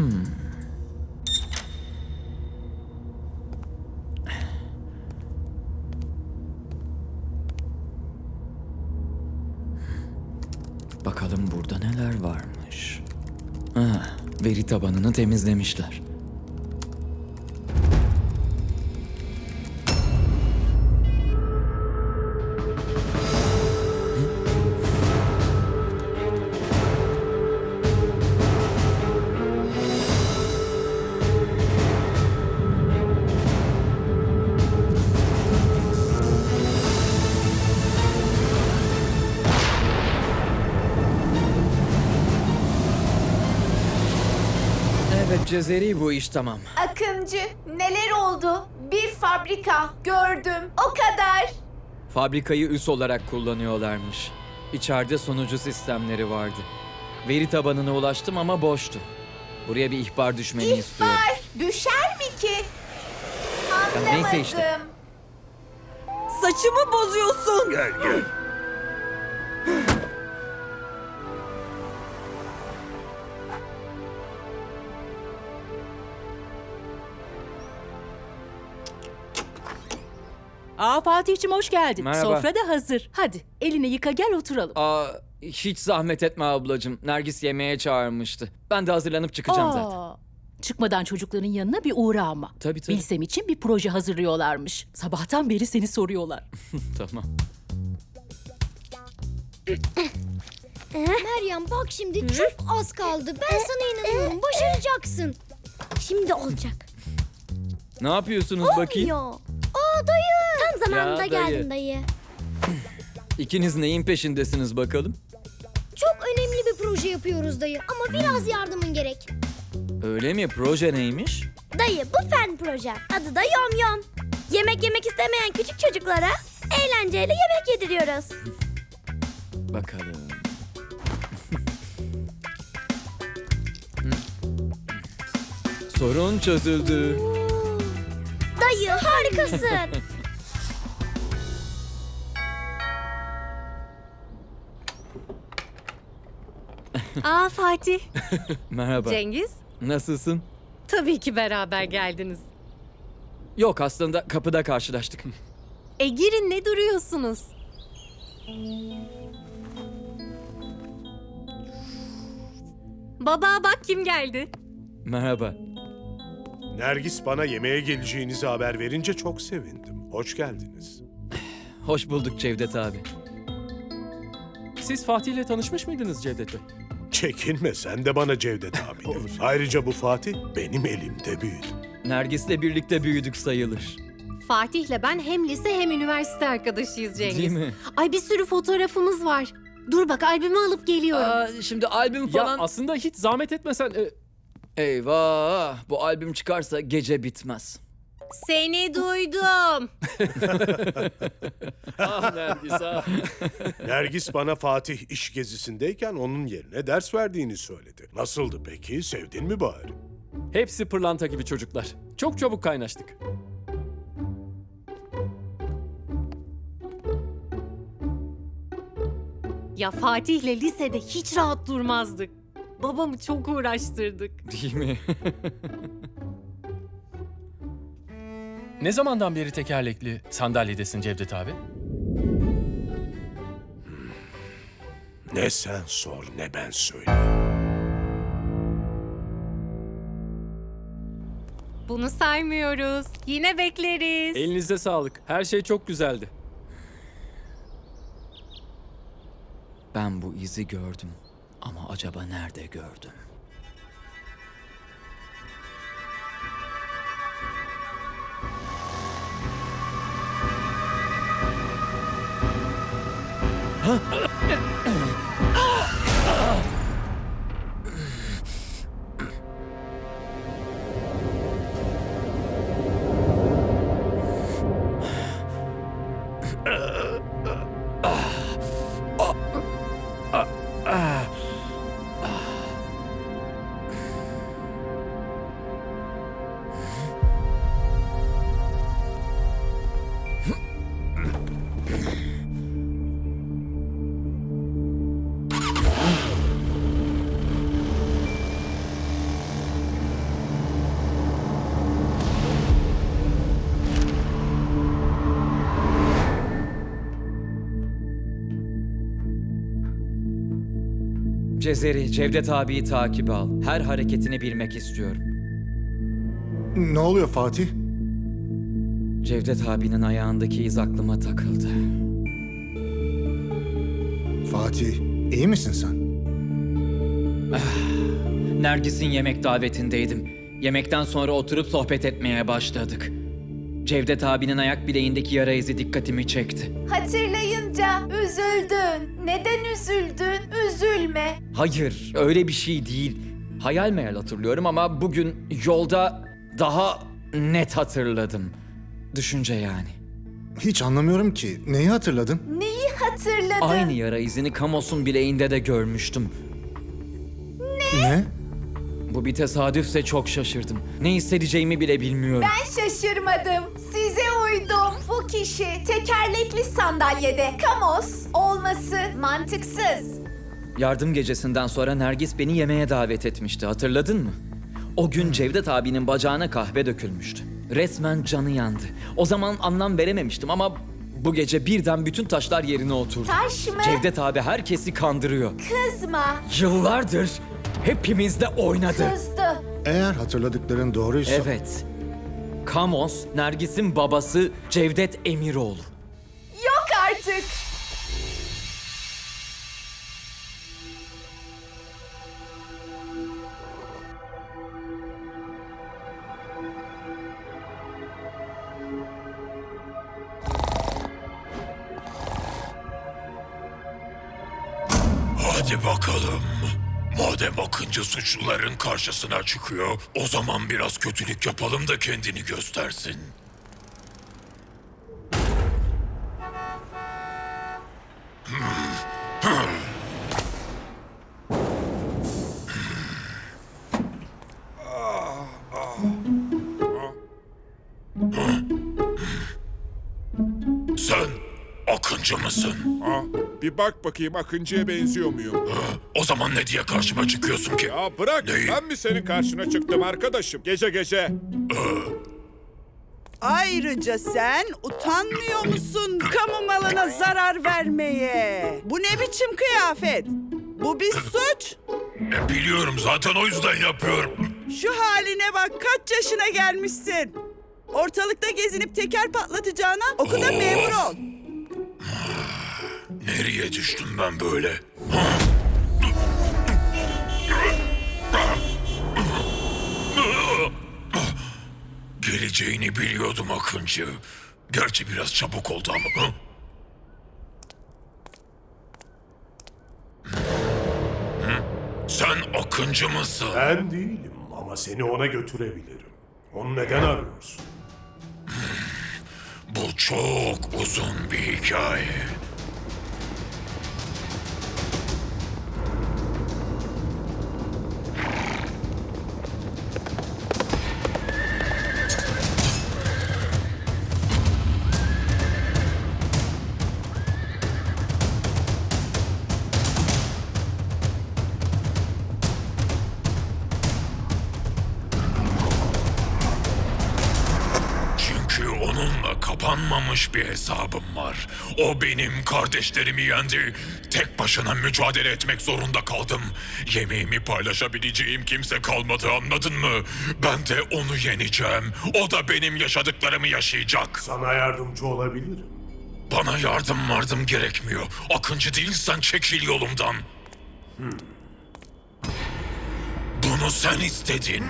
Bakalım burada neler varmış. Veri tabanını temizlemişler. Evet Cezeri, bu iş tamam. Akıncı, neler oldu? Bir fabrika gördüm. O kadar. Fabrikayı üs olarak kullanıyorlarmış. İçeride sunucu sistemleri vardı. Veri tabanına ulaştım ama boştu. Buraya bir ihbar düşmeni istiyorum. İhbar düşer mi ki? Ya Anlamadım. neyse işte. Saçımı bozuyorsun. Gel. Fatih'cim hoş geldin. Merhaba. Sofra da hazır. Hadi elini yıka gel oturalım. Hiç zahmet etme ablacığım. Nergis yemeğe çağırmıştı. Ben de hazırlanıp çıkacağım zaten. Çıkmadan çocukların yanına bir uğra ama. Tabii. Bilsem için bir proje hazırlıyorlarmış. Sabahtan beri seni soruyorlar. Tamam. Meryem bak şimdi çok az kaldı. Ben sana inanıyorum. Başaracaksın. Şimdi olacak. Ne yapıyorsunuz bakayım? Yo. Aa dayı. Tam zamanında Ya, dayı. geldin dayı. İkiniz neyin peşindesiniz bakalım? Çok önemli bir proje yapıyoruz dayı. Ama biraz yardımın gerek. Öyle mi? Proje neymiş? Dayı bu fen proje. Adı da Yom Yom. Yemek yemek istemeyen küçük çocuklara eğlenceyle yemek yediriyoruz. Bakalım. Sorun çözüldü. Dayı harikasın. Fatih, Merhaba. Cengiz. Nasılsın? Tabii ki beraber geldiniz. Yok, aslında kapıda karşılaştık. Girin, ne duruyorsunuz? Baba bak kim geldi. Merhaba. Nergis bana yemeğe geleceğinizi haber verince çok sevindim. Hoş geldiniz. Hoş bulduk Cevdet abi. Siz Fatih'le tanışmış mıydınız Cevdet Bey? Çekinme, sen de bana Cevdet abi de. Ayrıca bu Fatih benim elimde büyüdü. Nergis'le birlikte büyüdük sayılır. Fatih'le ben hem lise hem üniversite arkadaşıyız Cengiz. Değil mi? Ay bir sürü fotoğrafımız var. Dur bak albümü alıp geliyorum. Şimdi albüm Ya falan... aslında hiç zahmet etmesen... Eyvah! Bu albüm çıkarsa gece bitmez. Seni duydum. Nergis ah. Nergis bana Fatih iş gezisindeyken onun yerine ders verdiğini söyledi. Nasıldı peki? Sevdin mi bari? Hepsi pırlanta gibi çocuklar. Çok çabuk kaynaştık. Ya Fatih'le lisede hiç rahat durmazdık. Babamı çok uğraştırdık. Değil mi? Ne zamandan beri tekerlekli sandalyedesin Cevdet abi? Ne sen sor ne ben söyleyeyim. Bunu saymıyoruz. Yine bekleriz. Elinize sağlık. Her şey çok güzeldi. Ben bu izi gördüm. Ama acaba nerede gördüm? Cezeri, Cevdet abiyi takip al. Her hareketini bilmek istiyorum. Ne oluyor Fatih? Cevdet abinin ayağındaki iz aklıma takıldı. Fatih, iyi misin sen? Nergis'in yemek davetindeydim. Yemekten sonra oturup sohbet etmeye başladık. Cevdet abinin ayak bileğindeki yara izi dikkatimi çekti. Hatırlayınca üzüldün. Neden üzüldün? Üzülme. Hayır, öyle bir şey değil. Hayal meyal hatırlıyorum ama bugün yolda daha net hatırladım. Düşünce yani. Hiç anlamıyorum ki. Neyi hatırladın? Neyi hatırladın? Aynı yara izini Kamos'un bileğinde de görmüştüm. Ne? Bu bir tesadüfse çok şaşırdım. Ne hissedeceğimi bile bilmiyorum. Ben şaşırmadım. Size uydum. Bu kişi tekerlekli sandalyede. Kamos olması mantıksız. Yardım gecesinden sonra Nergis beni yemeğe davet etmişti. Hatırladın mı? O gün Cevdet abinin bacağına kahve dökülmüştü. Resmen canı yandı. O zaman anlam verememiştim ama bu gece birden bütün taşlar yerine oturdu. Taş mı? Cevdet abi herkesi kandırıyor. Kızma. Yıllardır hepimizle oynadı. Kızdı. Eğer hatırladıkların doğruysa... Evet. Kamos, Nergis'in babası Cevdet Emiroğlu. Yok artık. Hadi bakalım. Madem Akıncı suçluların karşısına çıkıyor, o zaman biraz kötülük yapalım da kendini göstersin. Sen Akıncı mısın? Bir bak bakayım Akıncı'ya benziyor muyum? O zaman ne diye karşıma çıkıyorsun ki? Ya bırak, Neyi? ben mi senin karşına çıktım arkadaşım? Gece gece. Ayrıca sen utanmıyor musun kamu malına zarar vermeye? Bu ne biçim kıyafet? Bu bir suç. Biliyorum, zaten o yüzden yapıyorum. Şu haline bak, kaç yaşına gelmişsin. Ortalıkta gezinip teker patlatacağına oku da memur ol. Nereye düştüm ben böyle? Geleceğini biliyordum Akıncı. Gerçi biraz çabuk oldu ama. Sen Akıncı mısın? Ben değilim ama seni ona götürebilirim. Onu neden arıyorsun? Bu çok uzun bir hikaye. Çünkü onunla kapanmamış bir hesabım var. O benim kardeşlerimi yendi. Tek başına mücadele etmek zorunda kaldım. Yemeğimi paylaşabileceğim kimse kalmadı, anladın mı? Ben de onu yeneceğim. O da benim yaşadıklarımı yaşayacak. Sana yardımcı olabilirim. Bana yardım gerekmiyor. Akıncı değilsen çekil yolumdan. Bunu sen istedin.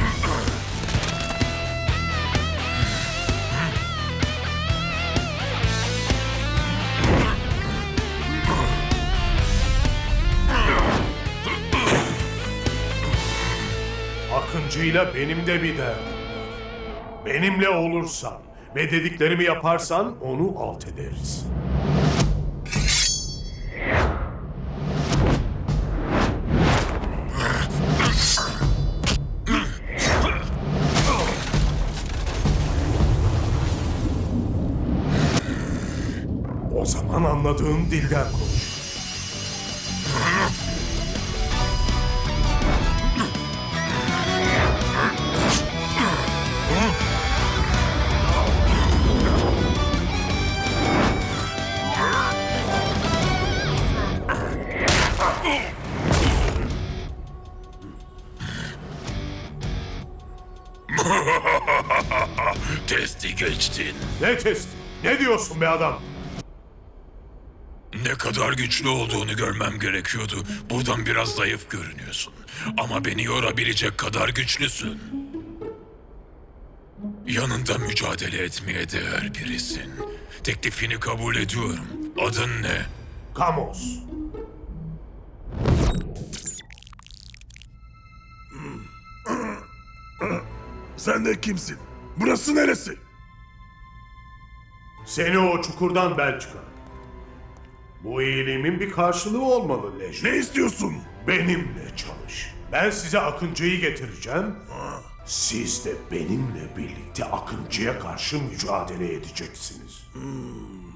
Akıncı'yla benim de bir derdim var. Benimle olursan ve dediklerimi yaparsan onu alt ederiz. O zaman anladığın dilden konuş. Testi geçtin. Ne testi? Ne diyorsun be adam? Ne kadar güçlü olduğunu görmem gerekiyordu. Buradan biraz zayıf görünüyorsun. Ama beni yorabilecek kadar güçlüsün. Yanında mücadele etmeye değer birisin. Teklifini kabul ediyorum. Adın ne? Kamos. Sen de kimsin? Burası neresi? Seni o çukurdan ben çıkardım. Bu iyiliğimin bir karşılığı olmalı Leji. Ne istiyorsun? Benimle çalış. Ben size Akıncı'yı getireceğim. Siz de benimle birlikte Akıncı'ya karşı mücadele edeceksiniz.